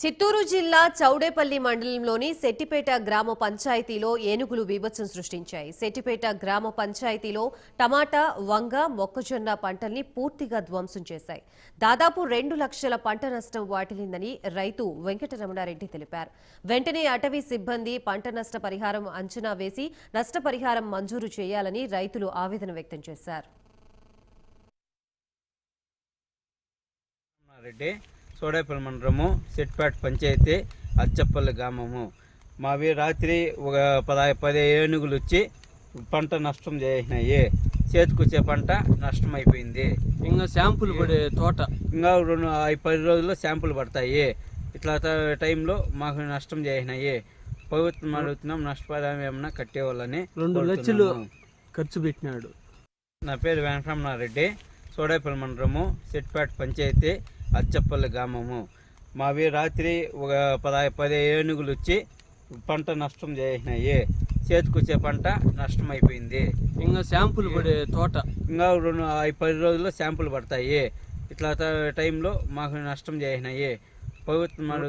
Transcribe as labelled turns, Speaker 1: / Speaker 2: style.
Speaker 1: చిత్తూరు జిల్లా చౌడేపల్లి మండలంలోని సెట్టిపేట గ్రామ పంచాయతీలో ఏనుగులు బీభత్సం సృష్టించాయి. సెట్టిపేట గ్రామ పంచాయతీలో టమాటా, వంగ, మొక్కజొన్న పంటల్ని పూర్తిగా ధ్వంసం చేశాయి. దాదాపు 2 లక్షల పంట నష్టం వాటిల్లిందని రైతు వెంకటరమణారెడ్డి తెలిపారు. వెంటనే అటవీ సిబ్బంది పంట నష్ట పరిహారం అంచనా వేసి నష్టపరిహారం మంజూరు చేయాలని రైతులు ఆవేదన వ్యక్తం చేశారు.
Speaker 2: చౌడేపల్లి మండలము సెట్టిపేట పంచాయతీ అచ్చపల్లి గ్రామము. మావి రాత్రి ఒక 10 ఏనుగులు వచ్చి పంట నష్టం చేసినాయి. చేతికొచ్చే పంట నష్టం అయిపోయింది.
Speaker 3: ఇంకా శాంపుల్ పడే తోట
Speaker 2: ఇంకా 10 రోజుల్లో శాంపుల్ పడతాయి. ఇట్లా టైంలో మాకు నష్టం చేసినాయి. ప్రభుత్వం అడుగుతున్నాం, నష్టపరిహారం ఏమన్నా కట్టేవాళ్ళని.
Speaker 3: 2 లక్షలు ఖర్చు పెట్టినాడు.
Speaker 2: నా పేరు వెంకటరమణారెడ్డి, చౌడేపల్లి మండలము సెట్టిపేట పంచాయతీ అచ్చపల్లి గ్రామము. మావి రాత్రి ఒక 10 ఏనుగులు వచ్చి పంట నష్టం చేసినాయి. చేతికొచ్చే పంట నష్టం అయిపోయింది.
Speaker 3: ఇంకా శాంపుల్ పడే తోట
Speaker 2: ఇంకా 10 రోజుల్లో శాంపుల్ పడతాయి. ఇట్లా టైంలో మాకు నష్టం చేసినాయి. ప్రభుత్వం